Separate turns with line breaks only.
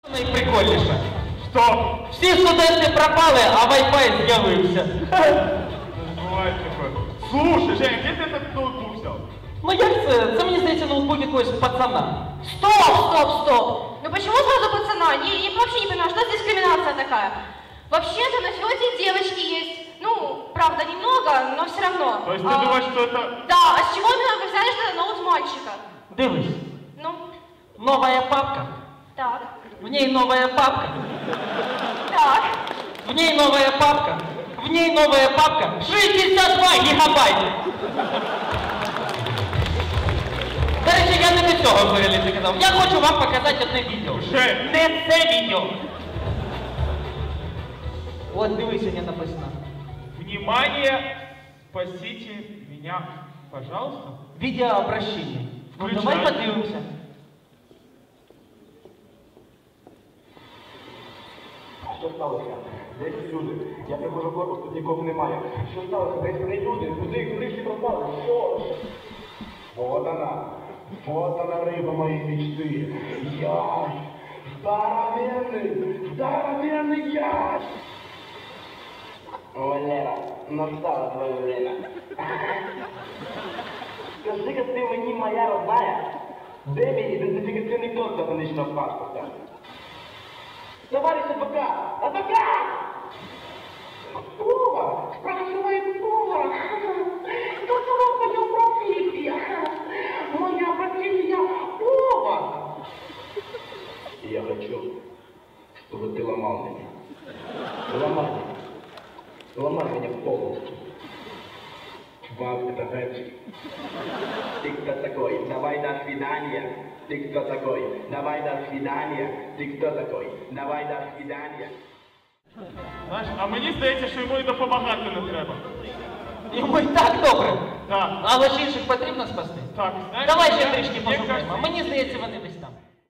Найприкольніше.
Що?
Всі студенти пропали, а Wi-Fi з'явився.
Бывает такое. Слушай, Жень, где ты этот ноутбук взял?
Ну як це? Це мені здається ноутбук якогось пацана.
Стоп! Ну почему сразу пацана? Я вообще не понимаю, что за дискриминация такая? Вообще-то на флоте девочки есть. Ну, правда, немного, но все равно.
То есть ты думаешь, что это...
Да, а с чего именно вы взяли, что это ноут мальчика?
Дивись,
Ну,
новая папка.
так,
В ней новая папка.
так.
В ней новая папка. В ней новая папка. 62 гігабайти. До речі, я не до цього взагалі заказав. Я хочу вам показати одне відео.
Жень!
Не це відео. От дивись, як написано.
Внимание! Спасите меня, пожалуйста.
Відеообращення. Ну
Включай.
давай подивимося.
Що сталося? Десь люди. Я приходжу в корпус, тут нікого немає. Що сталося? Десь вони люди. Куди всі пропали? Що? Вот она риба моей мечты. Ясь! Здоровенный ясь! Валера, настало твое время. Скажи-ка ты мені, моя родная, де мій ідентифікаційний код до фонічного паспорта? Товарищ адвокат! Повар! Спрашивает повар! Какова моя профессия? Моя профессия повар! Я хочу, чтобы ты ломал меня. Ломай меня полностью. Вау, это рэпчик. Ты кто такой? Давай до свидания. Ты кто такой? Давай до свидания. Ты кто такой? Давай до свидания.
Знаєш, а мені здається, що йому і допомагати не треба.
Йому і так добре.
Так,
Але ж інших потрібно спасти.
так, знаєш...
Давай ще
я-
трішки
мені
пошукаємо.
кажется,
Мені здається, вони десь там.